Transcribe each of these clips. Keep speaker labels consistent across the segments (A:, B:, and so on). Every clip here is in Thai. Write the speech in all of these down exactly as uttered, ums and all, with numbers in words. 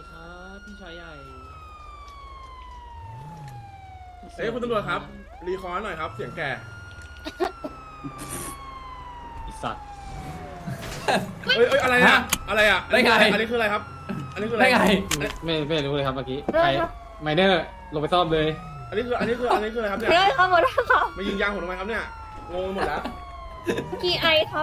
A: ครับพี่ชายใหญ่
B: เอ้ยคุณตำรวจครับรีคอร์ดหน่อยครับเสียงแก่
A: อิสัตว์
B: เอ้ยเอ้ยอะไรอะอะไรอะ
C: ได้ไง
B: อันนี้คืออะไรครับ อันนี้คืออะไร
C: ได้ไง
A: ไม่ไม่รู้เลยครับเมื่อกี้ใครไมเนอร์ลงไปซ่อมเลย
B: อันนี้คืออันนี้คืออันนี้คืออะไรครับเนี่ย
D: เฮ้ยครับหมดแล้วครับ
B: มายิงยางผมทำไมครับเนี่ยงงไปหมดแล้ว
D: พีไอครับ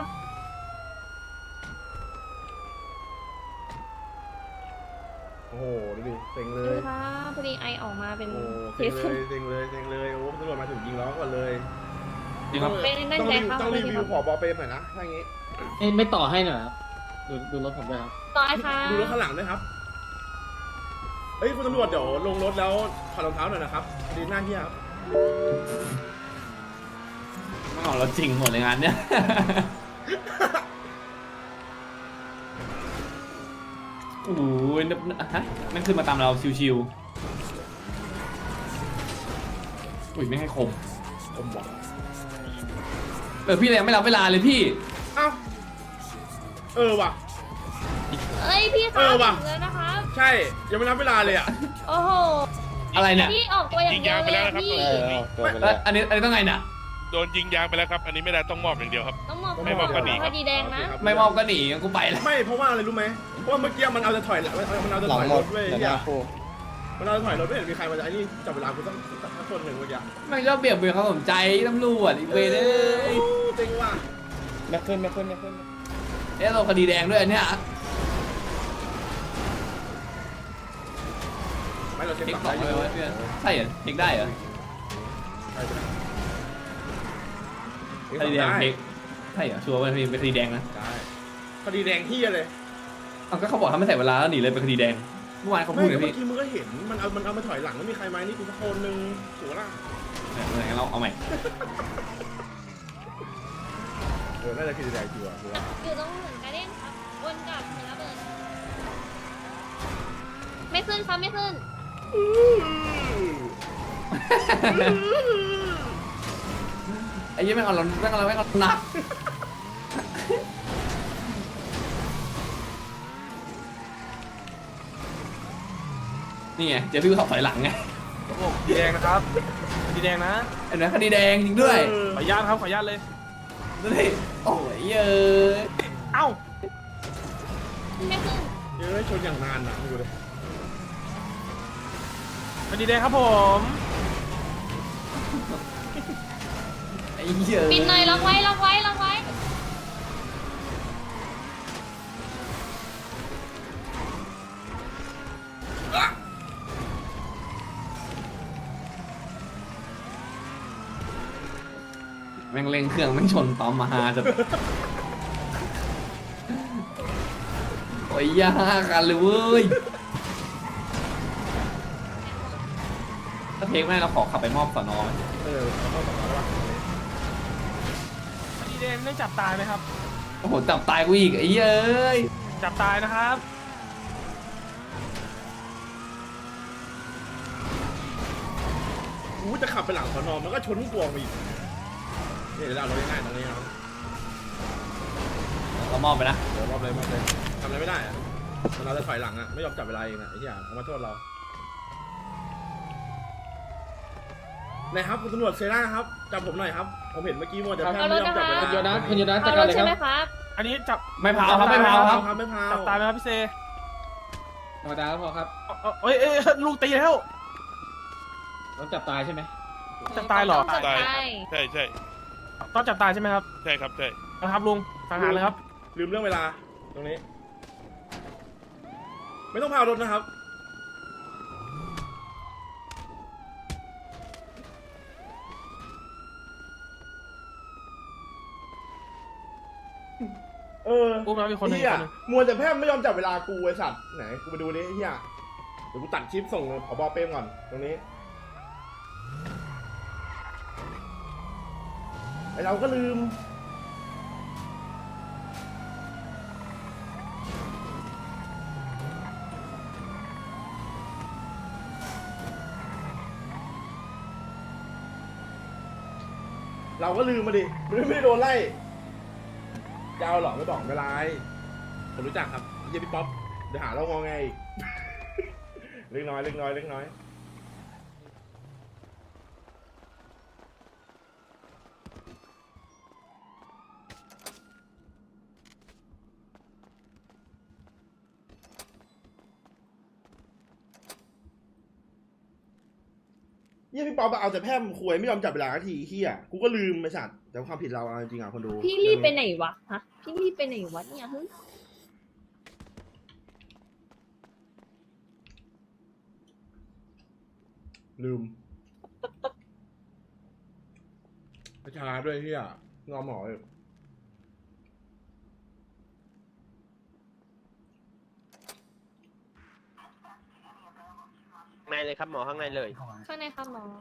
B: โอ้โหดูดิเซ็งเล
D: ดู
B: ย
D: ครับพอดีไอออกมาเป็น
B: โอ้
D: เท
B: เซ็ง
D: ส
B: เลยเซ็งเลยเซ็งเลยโอ้ตำรวจมาถึงยิงล้อก่อนเลย
C: จริงครับ
D: เป็นนั่น
B: ต้อง
D: ไง
B: รีวิว
D: ครับ
B: ต้องรีวิ
D: คว
B: ผอบอเปรมหน่อยนะถ้าอย่างงี้
A: ไม่ไม่ต่อให้หน่อยครับดูดูรถผมด้วยครับ
D: ต่อไอครับ
B: ดูรถข้างหลังด้วยครับเฮ้ยคุณตำรวจเดี๋ยวลงรถแล้วถอดรองเท้าหน่อยนะครับดีหน้าเฮียครับ
C: ไม่ของเราจริงหมดเลยงานเนี้ย โอ้โหฮะมันขึ้นมาตามเราชิวๆอุ้ยไม่ให้คม
B: ผมบอก
C: เออพี่เลยยังไม่รับเวลาเลยพี่
B: เอ้าเออว่ะ
D: เอ้ยพี่ค
B: เอ
D: รับ
B: อว่ะ
D: ถึงแล้วนะครับ
B: ใช่ยังไม่นับเวลาเลยอ่ะ
D: โอ้โห
C: อะไรเนี่ย
D: พี่ออกตัวอย่างเดียวเลยอะพี่
C: แล้วอันนี้อันนี้ต้องไงน่ะ
E: โดนยิงยางไปแล้วครับ อันนี้ไม่ได้ต้องมอบอย่างเดียวครับ
D: ต้องมอบ
E: ไม่มอบก็หนีครับ
D: คดีแดงนะ
C: ไม่มอบก็หนีงั้นกูไปแล้ว
B: ไม่เพราะว่าอะไรรู้ไหมเพราะว่าเมื่อกี้มันเอาจะถอยมันเอามันเอาจะถอยรถเว้ยเฮียมันเอาจะถอยรถไม่เห็นมีใครมาจะไอ้นี่จับเวลากูต้องสักคนหนึ่งเมื่อกี้
C: มันชอบเบี่ยงเบนความสนใจตำรวจอีกเวรเลย
B: เต็งว่ะ
F: แม็กขึ้นแม็กขึ้นแม็กขึ้น
C: เอ๊ะเราคดีแดงด้วยอันเนี้ย
B: ไม่เราเช็ค
C: เทค
B: ป
C: ส
B: รั
C: อบ ง
B: ได้อ
C: เล
B: ยู่
C: ยวะเพื่อนใช่เหรอเทคได้เหรอ
B: ใช่ใช่
C: คดีแดงเทคใช่เหรอชัวร์ว่าเป็นคดีแดงนะ
B: ได้คดีแดงที่อะไร
C: เอาก็เขาบอกทำไม่ใส่เวลาแล้วหนีเลยเป็นคดีแดงเมื่อวานเขา
B: ไม่
C: พูดเลย
B: เมื่
C: พี่
B: อกี้มึงก็เห็นมันเอามันเอามาถอยหลังแล้วมีใครไหมนี่กูสักคนหนึ่งถูกละ
C: เอองั้นเราเอาใหม่
B: เออน่าจะคดีแดงจริงว่ะ
D: อยู่ตรงเหมือนการเด้นครับวนกลับเหมือนระเบิดไม่ขึ้นครับไม่ขึ้น
C: ไอ้ยี่แม่งเอาเราแม่งเอาเราแม่งเอาหนักนี่ไงเจอพี่ขับถอยหลังไง
F: ดีแดงนะครับดีแดงนะ
C: เห็นไหมคดีแดงจริงด้วย
F: ขออนุญาตครับขออนุญาตเลย
C: ดูดิโอ้ยเย้ย
F: เอ้า
D: ไม่ขึ้น
B: เยอะชนอย่างนานอ่ะดูเลย
F: ดีแดงครับผม
C: ไอ้เย้ย
D: ปิดหน่อยล็อกไว้ล็อกไว้ล็อกไว้
C: แม่งเร่งเครื่องแม่งชนปั๊มมาฮาจะโอ้ยยากกันเลยเว้ยถ้าเทคไม่ได้เราขอขับไปมอบสอนอไหม
B: เออเขาต้องบอกว่า
F: ดีแดงได้จับตายไหมครับ
C: โอ้โหจับตายกูอีกไอ้เย้ย
F: จับตายนะครับ
B: กูจะขับไปหลังสอนอมันก็ชนกวงไปอีกนี่เดี๋ยวเราเราง่ายๆตรงนี้ครับ
C: เรามอบไปนะ
B: เดี๋ยวรอบเลยรอบเลยทำอะไรไม่ได้อะมันเราจะถอยหลังอะไม่ยอมจับเวลาเองอะไอ้เหี้ยเอามาโทษเราไหนครับคุณตำรวจเซร่าครับจับผมหน่อยครับผมเห็นเมื่อกี้มัวแต่แพทย์ไม่ยอมจับเวลา
A: คุณโยนัสคุณโยนัสจั
D: เอา
A: ด
D: ร
A: การเลยค
D: ถใช่ไหม
A: รับ
D: ครับ
F: อันนี้จับ
C: ไม่เผาครับไม่เผาครับ
B: ครับไม่พา
F: จับตายไหมครับพี่เซ
A: ธรรมดาก็พอครับ
F: เอาเอาเอ้ยเอ้ยลูกตีแล้ว
A: ต้องจับตายใช่ไหม
F: จับตายเหรอ
D: ต้องจับตาย
E: ใช่ใช่
F: ต้องจับตายใช่ไหมครับ
E: ใช่ครับใช่
F: นะครับลุงสังหารเลยครับ
B: ลืมเรื่องเวลาตรงนี้ ไม่ต้องพารถนะครับเออ
F: อุ้มแล้วมีคนหนึ่ง
B: เฮีย
F: คนหนึ่ง
B: มัวแต่แพทย์ไม่ยอมจับเวลากูไอ้สัตว์ไหนกูไปดูดิเฮียเดี๋ยวกูตัดคลิปส่งผบเป้มก่อนตรงนี้ไอเราก็ลืมเราก็ลืมมาดิไม่ได้ไม่ได้โดนไล่จะเอาหรอไม่บอกไม่เป็นไรผมรู้จักครับเฮียพี่ป๊อปเดี๋ยวหาเรางอไงอีกเล็กน้อยเล็กน้อยเล็กน้อยเยี่ยพี่ปอเอาแต่แพร่มควยไม่ยอมจับเวลาทีเฮียกูก็ลืมไปสัตว์แต่ความผิดเราจริงอ่ะคนดู
D: พี่รีบไปไหนวะฮะพี่รีบไปไหนวะเนี่ยฮึ
B: ลืมประชาด้วยเฮียงอหมอเลย
G: ในเลยครับหมอข้างในเลย
D: ข้างในค่ะหมอ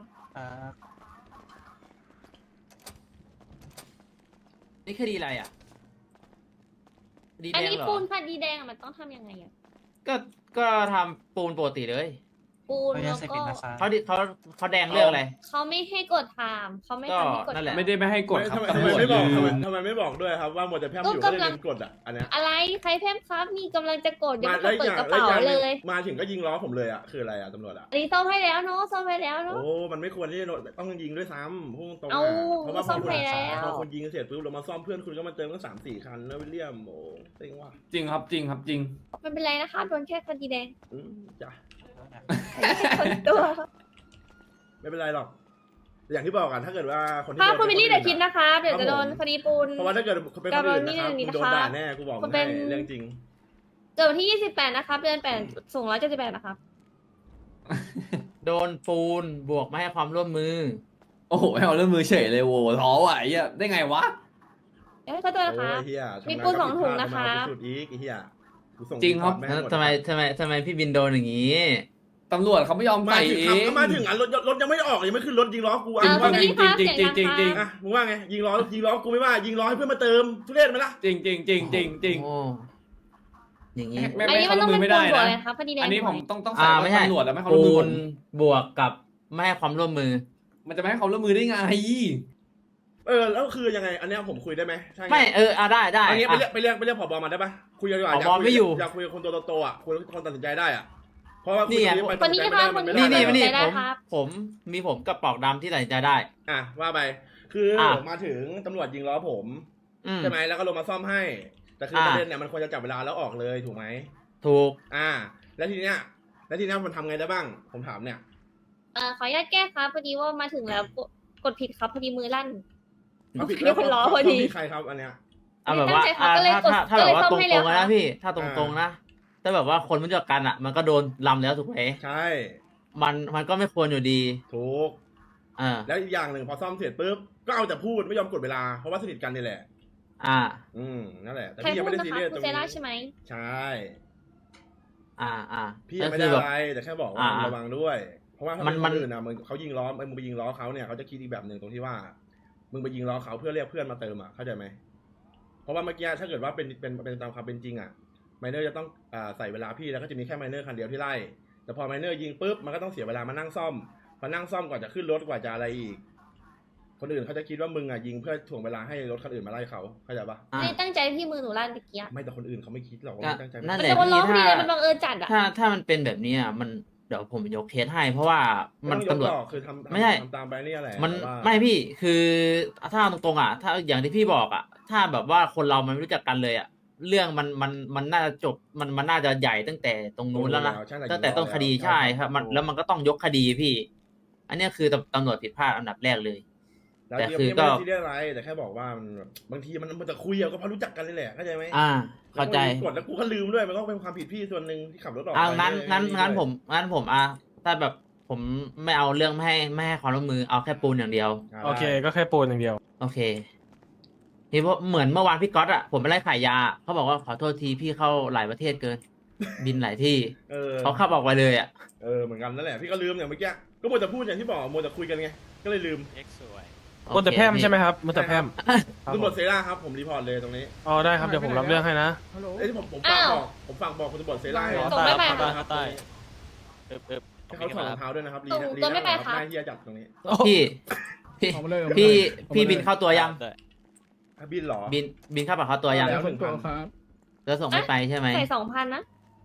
H: นี่คดีอะไรอ่ะคดี
D: อั
H: แด
D: น
H: ง
D: นี้
H: เหรอ
D: ปูนคดีแดงอะมันต้องทำยังไงอะ
H: ก็ก็ทำปูนปกติเลย
D: ปูนแล้วก็
H: เขาดิเขาเขาแดงเรื่องอะไร
D: เขาไม่ให้กดถามเขาไม่
H: ก็
D: ทำให้กด
H: นั่นแหละ
C: ไม่ได้ไม่ให้กดครับ
B: ทำไม
C: ตำรวจ
B: ไม่บอก
C: ยื
B: ทำไม
C: น
B: ทำไมไม่บอกด้วยครับว่าหมดแต่แพร่ม
D: ก็
B: อยู่ก็เลย
D: กำลัง
B: ลืมกดอ่ะอันเนี้ย
D: อะไรใครเพิ่มครับมีกำลังจะกดยัง
B: มา
D: ไม่
B: แล้ว
D: เปิ
B: อ
D: ด
B: ย่าง
D: กระ
B: แล้ว
D: เป๋า
B: อย่างห
D: เล
B: นึ่ง
D: ย
B: มาถึงก็ยิงล้อผมเลยอ่ะคืออะไรอ่ะตำรวจอ่ะ
D: อันนี้ซ่อมให้แล้วเนาะซ่อมให้แล้วเนาะ
B: โอ้มันไม่ควรที่จะต้องยิงด้วยซ้ำพุ่งตรง
D: เอา
B: เพราะว่าพ
D: ซ่
B: อ
D: อม
B: คุณ
D: ให้แล้ว
B: พอคุณยิงเสร็จปุ๊บเรามาซ่อมเพื่อนคุณก็มาเติมตั้งสามสี่คันแล้ววิลเลียมโอ้เต็งว่ะ
C: จริงครับจริงครับจริง
D: ไม่เป็นไรนะคะโดนแค่คดีแดง
B: อืมจ้ะ
D: คนตัว
B: ไม่เป็นไรหรอกอย่างที่บอกกันถ้าเกิดว่าคนที่
D: ถ้า
B: โดน
D: คุณวิลลี่
B: ป็
D: เดี๋ยวคิดนะคะเดี๋ยวจะโดนคดีปูน
B: เพราะว่าถ้าเกิดเป็นคนอื่นนะครับ
D: กรณีนี้
B: มึงโดน
D: นะคะ
B: ด่าแน่กูบอก
D: คุณ
B: มึง
D: เป็
B: ให้
D: น
B: เรื่องจริง
D: เกิดวันที่ยี่สิบแปดนะครับเดือนแปดสูงร้อยเจ็ดสิบแปดนะครับ
H: โดนปูนบวกไม่ให้ความร่วมมือ
C: โอ้โหให้เอาเรื่องมือเฉยเลยโว้ท้อว่ะไอ้เหี้ยได้ไงวะ
D: เอ้ยขอโทษนะคะ
B: โอ้ยเฮีย
D: มีปูนสองถุงนะคะ
B: สุดอีกไอ้เฮียกูส่ง
C: จริงครับ
B: แม่
H: แล้ว
B: หด
H: ทำไมทำไมทำไมพี่บินโดนอย่างนี้
C: ตำรวจเขาไม่ยอม
B: มา
C: ใส่
B: ถึง
C: เอ
B: ครับ
C: ง
B: ก็มาถึงอ่ะรถรถยังไม่ออกยังไม่ขึ้นรถยิงล้อกูอ่ะ
D: อ่า
B: มึง
D: คุ
B: ว่า
D: ณ
B: ไง
D: วิลลี่ครับ
C: จริ
D: เสี
C: ง
D: ยง
C: จริ
D: ดั
C: ง
D: ง
C: จริง
D: ค่ะ
B: อ่ะมึงว่าไงยิงล้อยิงล้อกูไม่ว่ายิงล้อให้เพื่อนมาเติมทุเรศไหมล่ะ
C: จริงจริงจริงจริงจริงจริง
H: โอ้อย่างนี้
C: ไม่
D: อันนี้มันต้องเป็น
C: ไม่
D: ปู
C: ได้
D: น
C: นะ
D: บวกเลยครับคดีแดง
C: อันนี้ผม
D: ถูกไห
C: ต้องต้อง
H: อ่า
C: ใส่
H: ไม่
C: ว่า
H: ใช่
C: ตำรวจแล้วไม่ให้เขาร่วม
H: ปู
C: มือผ
H: น
C: ม
H: บวกกับไม่ให้ความร่วมมือ
C: มันจะไม่ให้เขาร่วมมือได้ไง
B: เออแล้วคือยังไงอันเนี้ยผมคุยได้ไหมใช่
H: ไม่เอออ่ะได้ได้
B: อันนี้ไปเรีย
H: อ่ะ
B: กไปเรียกไปเรียกผบมาได้ปะคุยกันดีกว่า
H: ผบ
B: อยากคุ
H: ไม่อยู่
B: อยากคุยกับคนตัวโตๆอ่ะคุยกับคนตัดสินใจได้อ่ะเพราะว่าคุย
H: นี่ไง
B: กับไป
D: คนนี้
B: ตัดสิ
D: ค่ะ
B: ใจ
D: คน
B: ไม่
D: นี้
B: ได้
H: นี่
B: ไม่
H: นี่
B: ได้
H: นี่
D: ได้
H: ผม
D: ครับ
H: ผมมีผมกับปอกดำที่ตัดสินใจได้
B: อ่ะว่าไปคือ
H: อ่ะ
B: มาถึงตำรวจยิงล้อผม
H: อืม
B: ใช่ไหมแล้วก็ลงมาซ่อมให้ แต่คือ
H: อ่า
B: ประเด็นเนี่ยมันควรจะจับเวลาแล้วออกเลยถูกไหม
H: ถูก
B: อ่า แล้วทีเนี้ยแล้วทีเนี้ยมันทำไงได้บ้าง ผมถามเนี่ย
D: เอ่อขออนุญาตแก้ครับพอดีว่ามาถึงแล้วกดกดผิดครับพอดีมือลั่น
B: เอาผิด
D: เรียกคนล้อพอดี
B: เขามีใครครับอันเนี้ย
H: เอาแบบว่า
D: ไม่ตั้งใจครับ
H: อ่ะ
D: ก็เลย
H: ถ้าก
D: ด
H: ถ้าถ้าแบบว่า
D: ก็เลยซ่
H: ต
D: อมให้
H: ร
D: แล้
H: ง
D: ว
H: ๆ
D: ครั
H: นะ
D: บ
H: พี่ ถ้าตรงๆนะถ้าแบบว่าคนไม่รู้จักกันอ่ะ มันก็โดนลำแล้วถูกไหม
B: ใช่
H: มันมันก็ไม่ควรอยู่ดี
B: ถูก
H: อ่า
B: แล้วอีกอย่างหนึ่งพอซ่อมเสร็จปุ๊บ ก็เอาแต่พูดไม่ยอมกดเวลา เพราะว่าสนิทกันนี่แหละ
H: อ่า
B: อืม นั่นแหละ แต่
D: ใคร
B: พี่ยัง
D: พูด
B: ไม่ได้
D: นะ
B: ซี
D: คะ
B: เรียสต
D: คุ
B: ร
D: ณ
B: ง
D: เซร่า
B: นี้
D: ใช่ไหม
B: ใช่
H: อ่าอ่า
B: พี่ยังไม่
H: ก็
B: ได้
H: คือแบบ
B: อะไร แต่แค่บอกว่า
H: อ่า
B: ระวังด้วย เพราะว่าถ้า
H: มั
B: เป็น น
H: มั
B: คน นอื่นนะมึงเขายิงล้อมึงไปยิงล้อเขาเนี่ยเขาจะคิดอีกแบบหนึ่งตรงที่ว่า มึงไปยิงล้อเขาเพื่อเรียกเพื่อนมาเติมอ่ะ เข้าใจไหม เพราะว่าเมื่อกี้ถ้าเกิดว่าเป็นเป็นเป็นตามความเป็นจริงอ่ะ ไมเนอร์จะต้องอ่าใส่เวลาพี่แล้วก็จะมีแค่ไมเนอร์คันเดียวที่ไล่ แต่พอไมเนอร์ยิงปุ๊บมันก็ต้องเสียเวลามานั่งซ่อม พอนั่งซ่อมกว่าจะขึ้นรถกว่าจะอะไรอีก คนอื่นเขาจะคิดว่ามึงอ่ะยิงเพื่อถ่วงเวลาให้รถคันอื่นมาไล่เขา เข้าใจปะ
H: อ่า
D: ไม่ได้ตั้งใจที่มือหนูลั่นตะเกียบ
B: ไม่แต่คนอื่นเขาไม่คิดหรอกว่า
H: ก็
B: ไม่ตั้งใจ
H: นั่น
D: มัน
H: แหละ
D: จะวนล้อพอดี
H: พี่
D: เลย
H: ถ้า
D: มันบังเอิญจัดอ่ะ
H: ถ้าถ้ามันเป็นแบบนี้อ่ะมันเดี๋ยวผมยกเคสให้ เพราะว่ามัน
B: ไต้อง
H: ตำรวจ
B: ยกหอกคือทำ
H: ไม่ใช่
B: ทำตามไปนี่แหละ
H: มัน
B: แต่ว่า
H: ไม่พี่คือถ้าตรงๆอ่ะ ถ้าอย่างที่พี่บอกอ่ะ ถ้าแบบว่าคนเรามันไม่รู้จักกันเลยอ่ะ เรื่องมันมันมันน่าจะจบมันมันน่าจะใหญ่ตั้งแต่ตรงนู้นแล้วนะ
B: ใช่
H: ตั้งแต่ต้นคดีใช่ครับมันแล้วมันก็ต้องยกคดีพี่ อันเนี้ยคือตำตำรวจผิดพลาดอันดับแรกเลย
B: แล้ว
H: แต่
B: ที่
H: คือ
B: ไม่
H: ก็
B: ได้ซีเรียสอะไรแต่แค่บอกว่ามันแบบบางทีมันมันจะคุยอะก็เพราะรู้จักกันเลยแหละเข้าใจไหม
H: อ่า เข้าใจ
B: แล้วกดแล้วกูก็ลืมด้วยมันก็เป็นความผิดพี่ส่วนหนึ่งที่ขับรถออก
H: อ่า
B: ไป
H: งั้นงั้น
B: ด้วย
H: งั้นผมงั้นผมอ่ะถ้าแบบผมไม่เอาเรื่องไม่ให้ไม่ให้ความร่วมมือเอาแค่ปูนอย่างเดียว
F: โอเคก็แค่ปูนอย่างเดียว
H: โอเคพี่เพราะเหมือนเมื่อวานพี่ก๊อตอ่ะผมไปไล่ขายยาเขาบอกว่าขอโทษทีพี่เข้าหลายประเทศเกิน บินหลายที่
B: เออ
H: เขาขับออกไปเลยอ่ะ
B: เออเหมือนกันนั่นแหละพี่ก็ลืมอย่างเมื่อกี้ก็มัวแต่พูดอย่างที่บอกมัวแต่คุยกันไงก็เลยลืม
F: บนแต่แพร่มใช่ไหมครับบนแต่แพร่มครับ
B: ตำรวจเซร่าครับผมรีพอร์ตเลยตรงนี้
F: อ๋อได้ครับเดี๋ยวผมรับเรื่องให้นะ
B: เอ้ยที่ผมผมฝากบอกผมฝากบอกคุณตำรวจเซร่าให้
D: ส่งไม่ไปค่ะ
B: ครับให้เขาถอดรองเท้าด้วยนะครับลี
D: ส่ง
B: ลี
D: ตัวไม่ไป
B: นะครับ
D: ครับ
B: หน้าที่จะจัดตรงนี้
H: พี่พี่
A: เอามาเลยเอามาเลย
H: พี่
A: เอามาเลย
H: พี่บินเข้าตัวยัง
B: อ่ะบินเหรอ
H: บินบินเข้าปากเข้าตัวยัง
B: แล้ว
A: คนตัวครับ
H: แล้วส่งไม่ไปใช่ไหม
D: ใส่สองพันนะ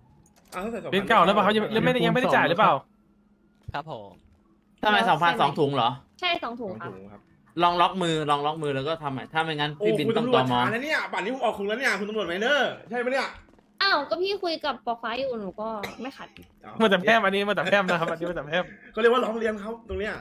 B: อ่ะถ้าใส่สองพั
F: บินเก่าแล้วเปล่าเขายังยังไม่ได้ยังไม่ได้จ่ายหรือเปล่า
G: ครับผม
H: ทำไมสองพันสองถุงเหรอ
D: ใช่สอง
B: ส
D: ถุ
B: อง ง
D: ครับ
B: ถุงครับ
H: ลองล็อกมือลองล็อกมือแล้วก็ทำใหม่ถ้าไม่งั้น
B: โอ้
H: พี่บิน
B: คุณ
H: ต้อง
B: ตำร
H: ต
B: ว
H: อ
B: จ
H: มอ
B: ช้านะเนี่ยป่านนี้ผมออกคุกแล้วเนี่ยคุณตำรวจไมเนอร์ใช่ไหมเนี่ย
D: อ้าวก็พี่คุยกับปอฟ้าอยู่หนูก็ไม่ขัด
F: มันแต่แพร่มอันนี้มันแต่แพร่มนะครับอันนี้มันแต่แพร่ม
B: ก็เรียกว่าร้องเรียนเขาตรงเนี้ย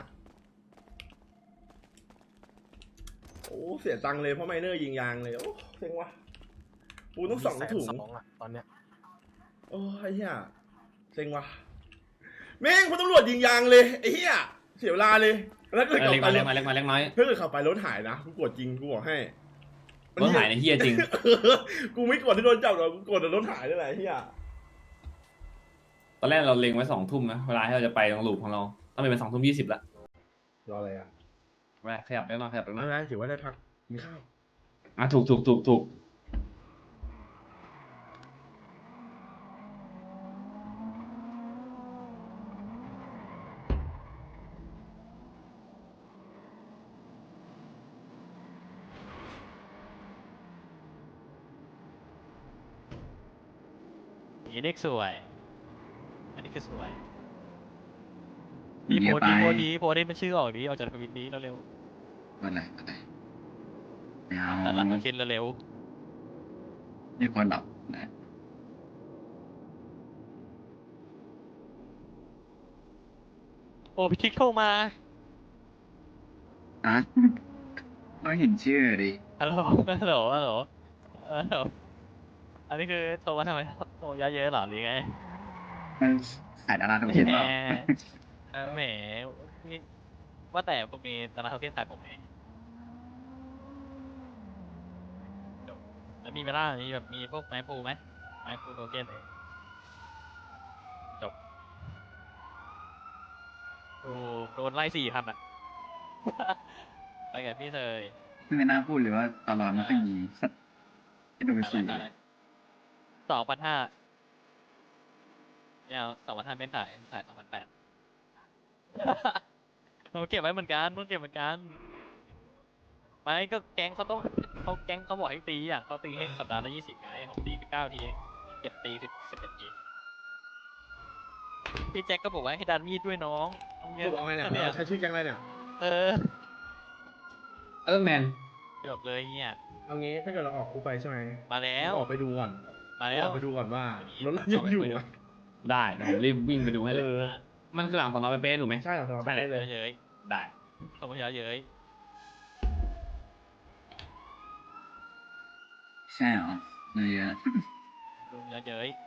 B: โอ้เสียตังค์เลยเพราะไมเนอร์ยิงยางเลยโอ้เซ็งว่ะปูต้องสองถุง
F: แสนสองอะตอนเนี้ย
B: โอ้ไอ้เหี้ยเซ็งว่ะแม่งคุณตำรวจยิงยางเลยไอ้เหี้ยเสียเวลาเลยแล้วเกิด
C: เล็ก
B: ขับ
C: มา
B: ไป
C: เล็กมาเล็กมาเล็กน้อย
B: ถ้าเกิดขับไปรถหายนะกูกดจริงกูบอกให้
C: รถหายในเฮียจริง
B: กูไม่กดที่โดนจับหรอกกูกดแต่รถหายนี่แหละไอ้เหี้ย
C: ตอนแรกเราเล็งไว้สองทุ่มนะเวลาที่เราจะไปตรงลูปของเราต้องเป็นสองทุ่มยี่สิบละ
B: รออะไรอ่ะ
C: ไปขยับได้หน่อยขยับได้หน่
B: ไม่
C: อย
B: เป็นไรถือว่าได้พักมีข้าว
C: อ่ะถูกถูกถูกถูก
G: นี่เด็กสวย อันนี้คือสวย
I: เดี๋
G: ดี
I: ยว
G: โพส
I: ไป
G: ดีโพสดีโพสดีมันชื่อออกดีออกจากทวิตนี้เร็ว
I: วันไหนวันไหนไม่เอา
G: ๆแต่ละมาคิดเร็ว
I: ไม่ควรหลับนะ
G: ๆโอ้พี่ทิกโทรมา
I: อ่ะก็เห็นชื่อดิ
G: ฮัลโหลฮัลโหลฮัลโหลฮัลโหลอันนี้คือโทรมาทำไมโทรเยอะๆเหรอหรือไง
I: มันขายดาราทำเห็น
G: แห
I: เป
G: ม
I: ล่า
G: เออแหมนี่ว่าแต่ผมมีตลาดเทาเทียนขายผมเองแล้วมีเวลามีแบบมีพวกไม้ปูไหมไม้ปูโทเค็นเลยจบโอ้โดนไล่สี่พันอ่ะ ไปกับพี่เตย
I: ไม่น่าพูดเลยว่าตลอดไม่ค่อยมีสัตว์ให้ดูสิ
G: สองพันห้าเนี่ยสองพันห้าเป็นถ่ายถ่ายสองพันแปด เราเก็บไว้เหมือนกันต้องเก็บเหมือนกัน ไม่ก็แก๊งเขาต้องเขาแก๊งเขาบอกให้ตีอ่ะเขาตีให้สัปดาห์ละยี่สิบไงผมตีไปเก้าทีเองเก็บตีสิบสิบเอ็ดทีพี่แจ็คก็บอกว่าให้ดันมีดด้วยน้องเอาเงี้
B: กูบอกไงเนี่ย
G: เนี่ย
B: ใช้ชื่อแก๊งอะไรเนี่ย
G: เออ
C: เออแมน
G: จบเลยเนี่ย
B: เอางี้ถ้าเกิดเราออกคุกไปใช่ไหม
G: มาแล้ว
B: ออกไปดูก่อน
G: มาแล้ว
B: ออกไปดูก่อนว่ารถเรายังอยู่อะ
C: ได้เดี๋ยวผมรีบวิ่งไปดูให้เลย มันคือหลังของเราไปเป๊ะถูกไหม
B: ใช่เหรอครับ
C: ไปเลย
G: เยอะเย้ย
C: ได้
G: เขาไม่เยอะเย้ย
I: ใช่เหรอเนื้อเยอะ
G: ดูเยอะเย้ย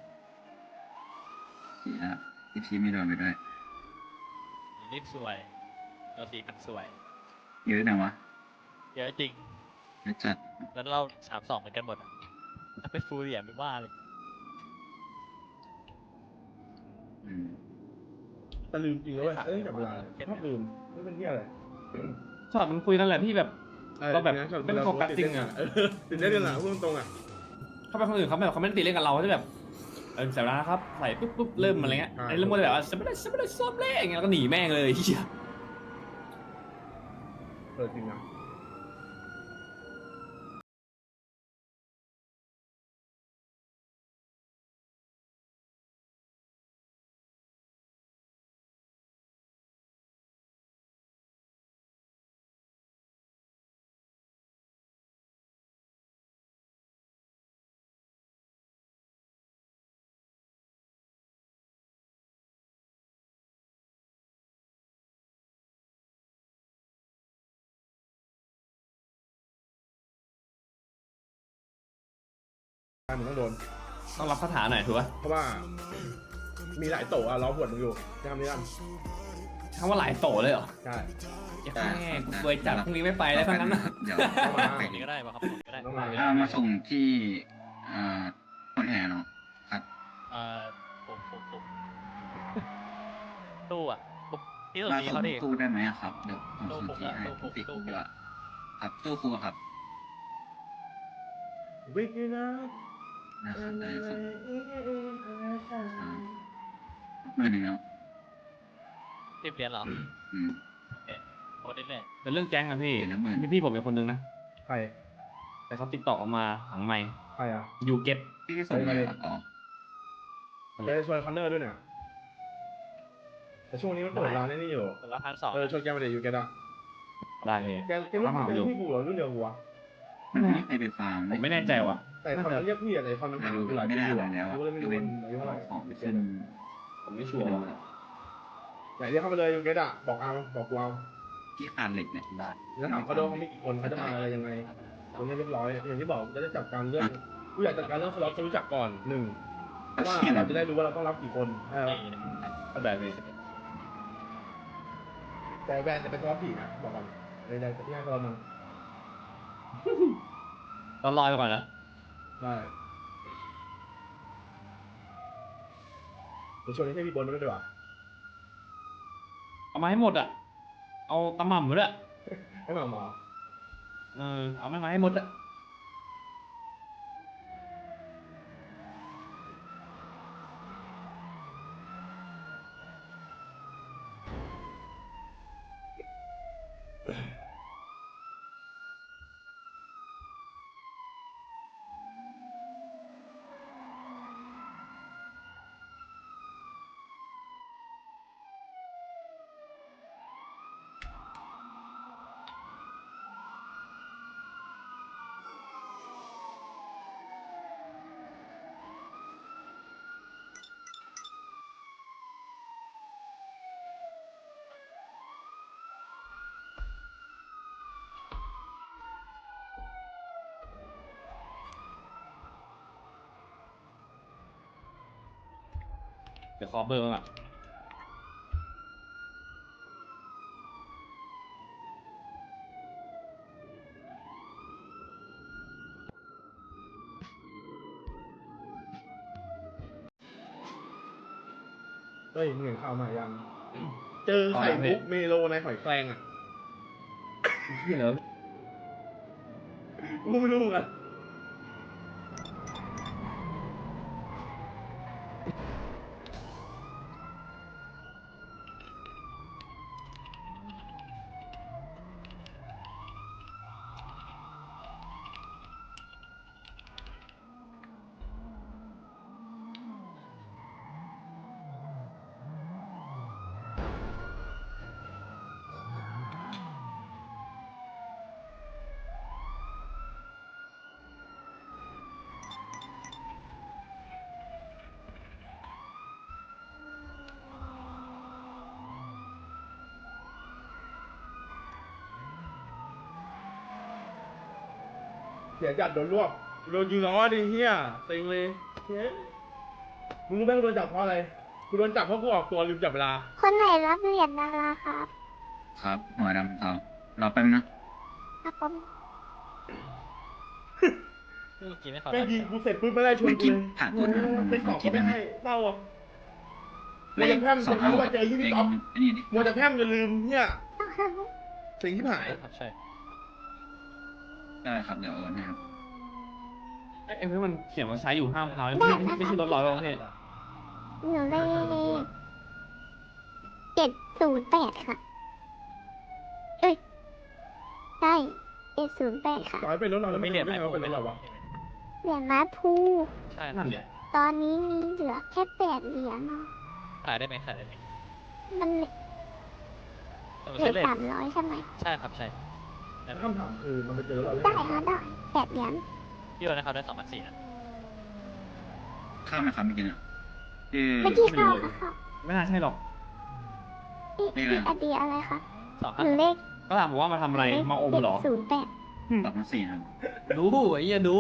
I: เสียที่พี่ไม่โดนไปด้วย
G: รีบสวยเราตีกันสวย
I: เยอะนะวะ
G: เยอะจริง
I: เยอะจัด
G: แล้วเราสามสองเหมือนกันหมดอ่ะถ้าเป็นฟูลเหรียญไม่ว่าเลย
I: อืม
B: แต่ลืมจริงแล้วเว้ยเอ้ยจับเวลาชอบลืมไม่เป็นที่อะไร
C: ช็อตมันคุยกันแหละพี่แบบ เราแบบไม่ได้โฟกัสจริงอะ
B: เออติดเล่นกันอะพูดตรงๆอะ
C: เข้าไปคนอื่นเขาแบบเขาไม่ได้ตีเล่นกับเราเขาจะแบบเออเสียเวลานะครับใส่ปุ๊บปุ๊บเริ่มอะไรเงี้ยไอ้เริ่มหมดแบบว่าจะไม่ได้จะไม่ได้ซ้อมเล่อย่างเงี้ยแล้วก็หนีแม่งเลยเฮีย
B: เออจริงนะมึงต้องโดน
C: ต้องรับคาถาหน่อยถูกป่ะ
B: เพราะว่า มีหลายโตอะล้อหวดมึงอยู่จะทำนี้กัน
C: คำว่าหลายโตเลยเหรอ
B: ใช่
C: แค่กูเคยจัดพรุ่งนี้ไม่ไปแล้วทั้งนั้นนะ
I: เดี๋ยว
B: เข้ามา
G: แบบนี้ก็ได้ป่ะครับผมก็ได้
B: ต้องมา
I: ถ้ามาส่งที่อ่าคนแห่เนาะครับ
G: เอ่อผมผมผมตู้อ่ะผมที่สุด
I: มา
G: นี้
I: ส่ง
G: เขาดิ
I: ตู้ได้ไหมอะครับเดี๋ยวผมส่งที่ให้
G: ตู้ผม
I: ติด
G: ตู้ผม
I: ดีกว่าครับตู้ครูครับ
B: วิกนะ
I: นะครับได้ครับอ่าหมื่นหนึ่งแล้ว
G: สิบเหรียญเหรอ
I: อืม
G: โอ้ได้เลย
C: เป็นเรื่องแก๊งอะพี่
I: เดี๋ยวนะหมื่น
C: มีพี่ผมเป็นคนนึงนะ
B: ใคร
C: แต่เขาติดต่อออกมาหลังไม่
B: ใครอ่ะ
C: ยูเก็ต
I: พี่ส่งมาครับอ๋อ
B: มจะชวนคอนเนอร์ด้วยเนี่ยแต่ช่วงนี้มันเปิดร้านไอ้นี่อยู่
G: คนละพันสอง
B: เออชวนแกมาเดี๋ยวอยู่แกอะ
C: ได้พี่
B: แกแกรุ่นแกรุ่นพี่กูเหรอรุ่นเดียวกูวะ
J: มันไม่มีใครไปฟาร์ม
C: ผมไม่แน่ใจว่ะ
B: แต่เขาเรียกพี่อะไรคอนมัน
J: ไม่
B: หา
J: รู้
B: คือหลาย
J: ไม่
B: ปี
J: ได้
B: อยู่
J: อะไรแล้ว
B: กูเลยไม่รู้
J: เว้น
B: อายุเท่าไหร่
J: ของขึ้น
C: ผมไม่ชัวร์ว่ะ
B: ไหนเรียกเข้ามาเลยอยู่แกอะบอกเอาบอกกูเอา
J: ที่คานเหล็กเนี่ยได้
B: แล้วถามเขาด้วยว่ามีกี่คนเขาจะมาอะไรยังไงตรงนี้เรียบร้อยอย่างที่บอกจะได้จัดการเรื่องกูอยากจัดการเรื่องสล็อตจะรู้จักก่อนหนึ่งว่าเราจะได้รู้ว่าเราต้องรับกี่คนเออ
C: เอาแบบนี้
B: แต่แบรนด์จะเป็นสล็อตผีนะบอกก่อนเลยได้ที่ให้สล็อตมัน
C: ต้องรอไปก่อนนะ
B: ได้เดี๋ยวช่วงนี้ให้พี่บนมาด้วยดีกว่า
C: เอามาให้หมดอ่ะ เอาตะหม่ำหมดอ่ะ
B: ให้มาหมอ
C: เออเอาไม่มาให้หมดอ่ะ เดี๋ยวขอเบอร์มันอ่ะ
B: เฮ้ยมึงเห็นข่าวมายัง เจอไข่มุกเมโลในหอยแครงอ่ะ
C: เหรอ
B: กูไม่รู้เหมือนกัน เดี๋ยวจัดโดนรวบโดนยิงล้อดิเฮียเต็งเลยเฮ้ยมึงรู้ไหมกูโดนจับเพราะอะไรกูโดนจับเพราะกูออกตัวลืมจับเวลา
I: คนไหนรับเหรียญดาราครับ
J: ครับหัวดำเทารอแป๊บนึงนะครับ
I: ผม
G: เมื่อกี้ไม่ขอ
B: แม่งยิงกูเสร็จปุ๊บไม่ได้ชวน
J: ไม่
B: กู
J: คิด
B: เลย
J: ผ่านคนนะ
B: ไปสอบก็ไม่ให้เต้าอ่ะมัวจะแพร่ม
J: สอ
B: จะ
J: ง
B: รู้ว่าเจอยี่
J: เอ
B: พี่
J: ง
B: อ๊อฟ
J: อันนี้ดิ
B: มัวจะแพร่มจะลืมเนี่ยสิ่งที่หาย
G: ครับใช่
J: ได้ครับเดี๋ยวโอนให้ครับ
C: ไอ้เพื่อนมันเขียนว่าใช้อยู่ห้ามเท้าไม่ใช่ไม่ใช่รถร้อยประเภท
I: หนูเลขเจ็ดศูนย์แปดค่ะ เอ้ยใช่เจ็ดศูนย์แปดค่ะ
B: ต่อยไปรถเราแล้ว
G: ไม่
B: ไม่
G: เหรียญ
B: ไม่
G: ไอ
B: เอา
G: โฟ
B: เป็น
G: น
B: รถเราวะ
I: เหรียญม้าพู
G: ใช่
C: นั่นแหละ
I: ตอนนี้มีเหลือแค่แปดเหรียญเนาะ
G: ขายได้ไหมขายได้ไหม
I: มัน
G: แต่มัน
I: เหลื
G: ใช้
I: อ
G: เลท
I: สามร้อยใช่ไหม
G: ใช่ครับใช่
B: คำถามคือมันไปเจอเราได้
I: ได้
B: ไง
I: ค่ะได้แปดเหรียญ
G: พี่โอนนะครับได้สองพันสี่นะ
J: ข้ามไหมครับเมื่อกี้เนี่ยชื่อ
I: เมื่อกี้เข้าค่ะเข้า
C: ไม่น่าใช่หรอก
I: อีก
J: เลขอะไร
I: อีกอดีอะไรคะ
G: สอง
I: ห
G: ห้า
I: นูเลข
C: ก็ถามว่ามาทำอะไร มาอมเหรอ
I: ศูนย์แปด
J: สองพันสี่ครับ
C: ดูไอ้เหี้ยดู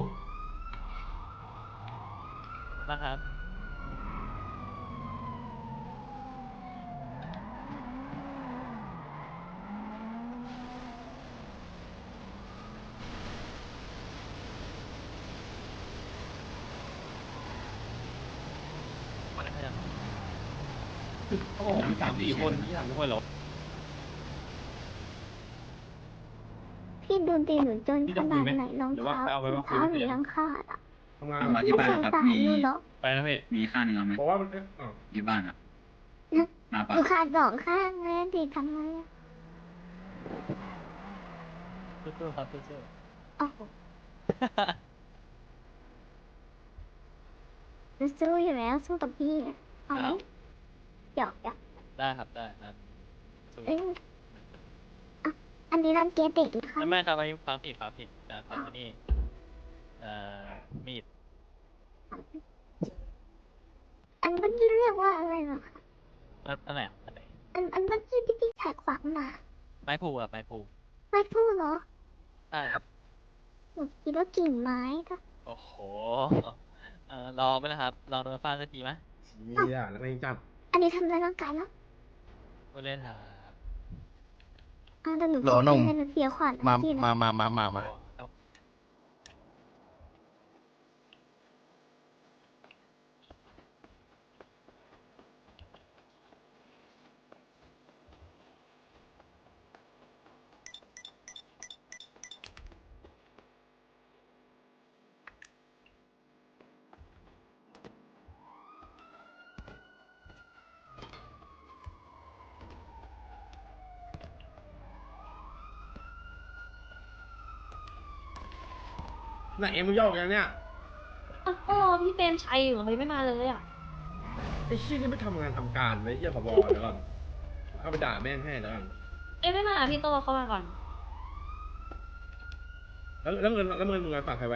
G: นะครับวันนี้ยัง
C: เขาบอกมีสามสี่คนที่สามสี่คนเหรอ
I: พี่ดูตีหนูจน
C: พี่
I: ข
C: จะคุ
I: นาย ด
C: ไหม
I: ไหนรอง
C: หรือว่า
I: เท้า
C: ไปเอาไป
I: รอ
C: ว่าง คุย
I: เท้า
C: กับ
I: หนู
C: เสีย
I: ยังขาดอ่ะ
B: ทำงาน
J: ทำมา
I: ส
J: ที่บ้าน
I: ง
J: ครับ
I: สาร
J: มี
I: หนูเนาะ
C: ไปนะพี่
J: มีข้างหนึ่งเอาไหม
B: บอกว่ามันเอ๊ะอ้าว
J: อยู่บ้านครับมา
I: ห
J: ปะ
I: นูขาดสองข้างเลยดิทำไงอะ
G: สู้ๆครับสู้
I: โอ้โห
G: ๆ
I: จะสู้อยู่แล้วสู้กับพี่อะเอาไหม
G: อ้าว
I: หยอกหยอก
G: ได้ครับได้ครับสู้
I: เอ้ยอ่ะอันนี้รังเกียจเด็กนะคะ
G: ไม่ไม่ครับอันนี้ฟังผิดฟังผิดนะครับอันนี้เอ่อมีด
I: อันเมื่อกี้เรียกว่าอะไรเหรอคะ
G: อันอันไหนอ่ะอันไหน
I: อันอันเมื่อกี้ที่พี่ถ่ายขวางมา
G: ไม้พูครับไม้พู
I: ไม่พูดเหรอ
G: ได้ครับ
I: หนูคิดว่ากิ่งไม้ก็
G: โอ้โหเอ่อลองไหมนะครับ ลองโดนฟาดสักทีไหม
B: เชี่ยแล้วก็ยังจับ
I: อันนี้ทำร้ายร่างกายแล้ว
G: ก็เล่นครับ
I: อ่าแต่หนู
K: หรอหนุ่ม
I: ให้หนูเสียขวัญนะ
K: มา
I: พี่นะ
K: มามามามามา
G: เอา
B: ไหนเอ็มมึงโยกกันเนี่ย
D: อ่ะก็รอพี่เปรมชัยอยู่เลยไม่มาเลยอ่ะ
B: ไอ้ชี้ยนี่ไม่ทำงานทำการไว้เหี้ยผบเดี๋ยวก่อนเข้าไปด่าแม่งให้แล้วกัน
D: เอ้ยไม่มาพี่โตเข้ามาก่อน
B: แล้วแล้วเงินแล้วเงินมึงฝากใครไว้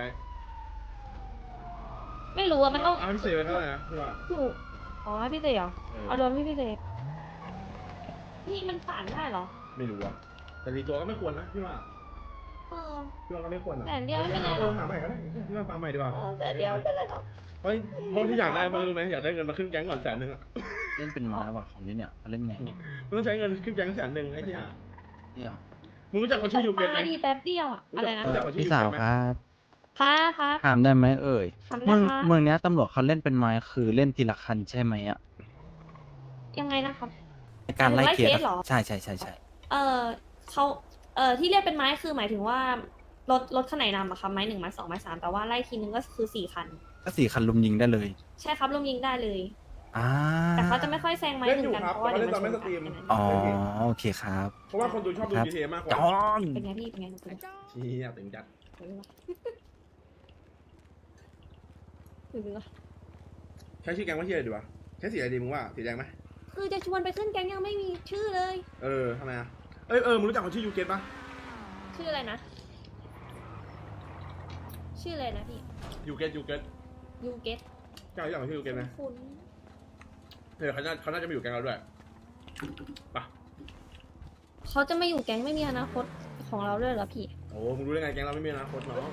D: ไม่รู้อ่ะมันต้อง
B: เอาพี่เซไว้เท่าไหร่นะพี่ว่า
D: หนูอ๋อให้พี่เต๋อ
B: เออ
D: เอาโดนพี่พี่เต๋นี่มันฝันได้เหรอ
B: ไม่รู้อ่ะแต่ทีตัวก็ไม่ควรนะพี่ว่า
D: เออ
B: พี่ว่าก็ไม่ควรอ่ะ
D: แต่เดียวไม่เป็นไรห
B: เอ
D: รอ
B: อก หาใหม่ก็ได้พี่ว่าฟังใหม่ดีกว่า
D: เออแต่เดียวไม่เป็นไรหรอก
B: เพราะเพราะที่อยากได้มารู้ไหมอยากได้เงินมาขึ้นแก๊งก่อนแสนหนึ่งอ่ะ
K: เล่นเป็นไม้ว่ะของนี่เนี่ยเล่นไง
B: มึงต้องใช้เงินขึ้นแก๊งแสนหนึ่งไอ้เหี้ย
K: เนี่ย
B: มึงรู้จักคนชื่อยูเกตไหม
D: มาดีแป๊บเดียวอ่ะอะไรนะ
B: รู้จักคนชื่อ
K: พี่
B: ยู
K: สา
B: เก
K: ว
B: ตไหม
K: ครับ
D: ค่ะค่ะ
K: ถามได้ไหมเอ่ย
D: ทำได้
K: เมือง
D: ค่ะ
K: เมืองเนี้ยตำรวจเขาเล่นเป็นไม้คือเล่นทีละคันใช่ไหมอ่ะ
D: ยังไงนะครับ
K: ในการไล่เคส
D: ไล่เคสเหรอ
K: ใช่ใช่ใช่ใช่
D: เออเขาเออที่เรียกเป็นไม้คือหมายถึงว่ารถรถคันไหนนำอะครับไม้หนึ่งไม้สองไม้สามแต่ว่าไล่ทีนึงก็คือสี่คัน
K: ก็สี่คันลุมยิงได้เลย
D: ใช่ครับลงยิงได้เลย
K: อ่า
D: แต่เขาจะไม่ค่อยแซงไม้
B: เล่น
D: หนึ่
B: อง ยู่
D: กัน
B: ครับ
D: เพราะว่า
B: แต่
D: เดี๋ยว
B: เล่น
D: มัน
B: ตอน
D: ช
B: ไม่
D: น
B: ส
D: กัน
B: ตรีม
K: อ๋อโอเคครับ
B: เพราะว่าคนดูชอบดู
K: ครับ
B: จี ที เอ มากกว่า
K: จอน
D: เป็นไงพี่เป็นไงเป็นไง
B: เชี่ยตึงจัด
D: เออเออ
B: ใช้ชื่อแก๊งว่าเฮียอะไรดีวะใช้สีอะไรดีมึงว่าสีแดงไหม
D: คือจะชวนไปขึ้นแก๊งยังไม่มีชื่อเลย
B: เออทำไมอ่ะเอ้ยเออมึงรู้จักคนชื่อยูเกตปะ
D: ชื่ออะไรนะ ชื่ออะไรนะพี่
B: ยูเกตยูเกต
D: ยูเกต
B: เจ้ารู้จักคนชื่อยูเกตไหม
D: คุณ
B: เออเขาน่าเขาน่าจะมาอยู่แก๊งเราด้วยปะ
D: เขาจะไม่อยู่แก๊งไม่มีอนาคตของเราด้วยเหรอพี่
B: โอ้มึงรู้ได้ไงแก๊งเราไม่มีอนาคตเนาะ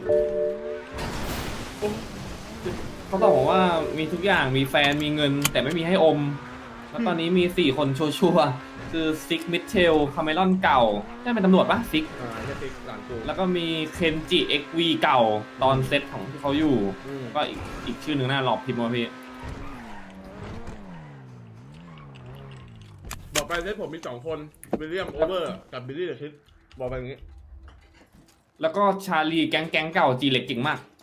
C: เขาบอกว่ามีทุกอย่างมีแฟนมีเงิน แต่ไม่มีให้อม แล้วตอนนี้มีสี่คนชัวร์ๆคือซิกมิเชลคาเมลอนเก่าได้เป็นตำรวจปะซิก
B: อ่าไอ้เหี้ยติ๊กหลานกู
C: แล้วก็มีเคนจิเอ็กวีเก่าตอนเซตของที่เขาอยู่
B: อืม
C: ก็อีกอีกชื่อหนึ่งน่าหลอกพิมพ์มาพี่
B: บอกไปเซตผมมีสองคนวิลเลียมโอเวอร์กับบิลลี่เดอะคิดบอกไปอย่างงี้
C: แล้วก็ชาลีแก๊งแก๊งเก่าจีเล็กเก่งมาก